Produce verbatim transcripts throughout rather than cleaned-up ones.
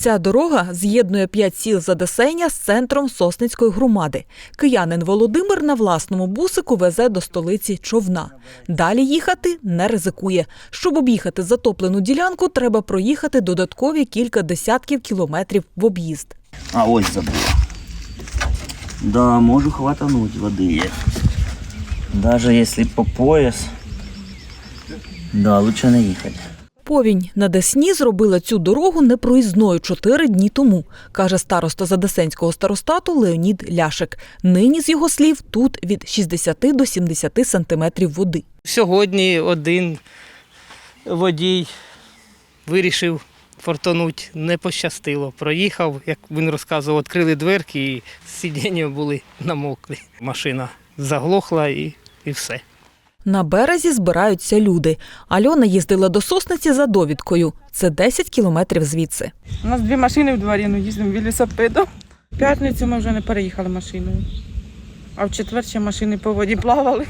Ця дорога з'єднує п'ять сіл Задесення з центром Сосницької громади. Киянин Володимир на власному бусику везе до столиці човна. Далі їхати не ризикує. Щоб об'їхати затоплену ділянку, треба проїхати додаткові кілька десятків кілометрів в об'їзд. А ось забула. Да, можу хватануть води є. Даже якщо по пояс, да, лучше не їхати. Повінь на Десні зробила цю дорогу непроїзною чотири дні тому, каже староста Задесенського старостату Леонід Ляшик. Нині, з його слів, тут від шістдесяти до сімдесяти сантиметрів води. Сьогодні один водій вирішив фортанути, не пощастило. Проїхав, як він розказував, відкрили дверки і сидіння були намокли. Машина заглохла і, і все. На березі збираються люди. Альона їздила до Сосниці за довідкою. Це десять кілометрів звідси. У нас дві машини в дворі, ну їздимо велосипедом. В п'ятницю ми вже не переїхали машиною, а в четвер ще машини по воді плавали.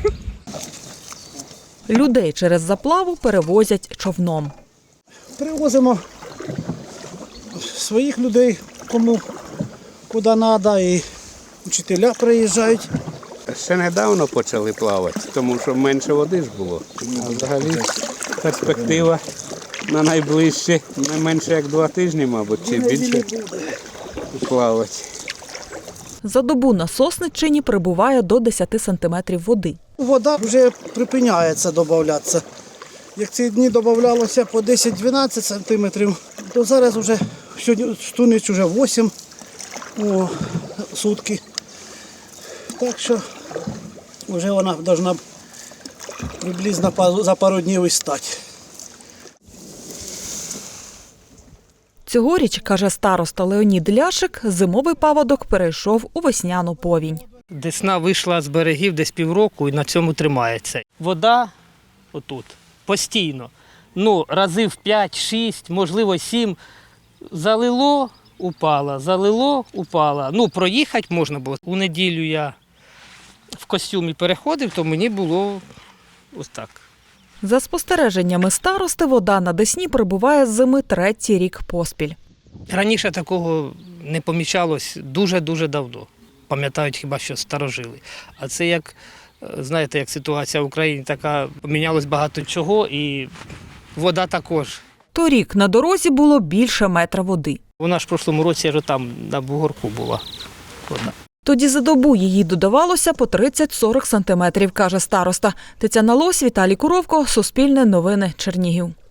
Людей через заплаву перевозять човном. Привозимо своїх людей, кому куди треба, і вчителя приїжджають. Ще недавно почали плавати, тому що менше води ж було. А взагалі перспектива на найближчі, не менше як два тижні, мабуть, чи більше плавати. За добу на Сосниччині прибуває до десяти сантиметрів води. Вода вже припиняється додатися. Як ці дні додавалося по десять-дванадцять сантиметрів, то зараз вже в ніч вже вісім о, сутки. Так що вже вона повинна приблизно за пару днів і стати. Цьогоріч, каже староста Леонід Ляшик, зимовий паводок перейшов у весняну повінь. Десна вийшла з берегів десь півроку і на цьому тримається. Вода отут постійно, ну, разів п'ять-шість, можливо сім, залило, упала, залило, упала. Ну, проїхати можна було. У неділю я в костюмі переходив, то мені було ось так. За спостереженнями старости, вода на Десні прибуває з зими третій рік поспіль. Раніше такого не помічалось дуже-дуже давно. Пам'ятають хіба що старожили. А це як, знаєте, як ситуація в Україні така, помінялось багато чого і вода також. Торік на дорозі було більше метра води. Вона ж в прошлому році аж там на бугорку була вода. Тоді за добу її додавалося по тридцять-сорок сантиметрів, каже староста. Тетяна Лось, Віталій Куровко, Суспільне новини, Чернігів.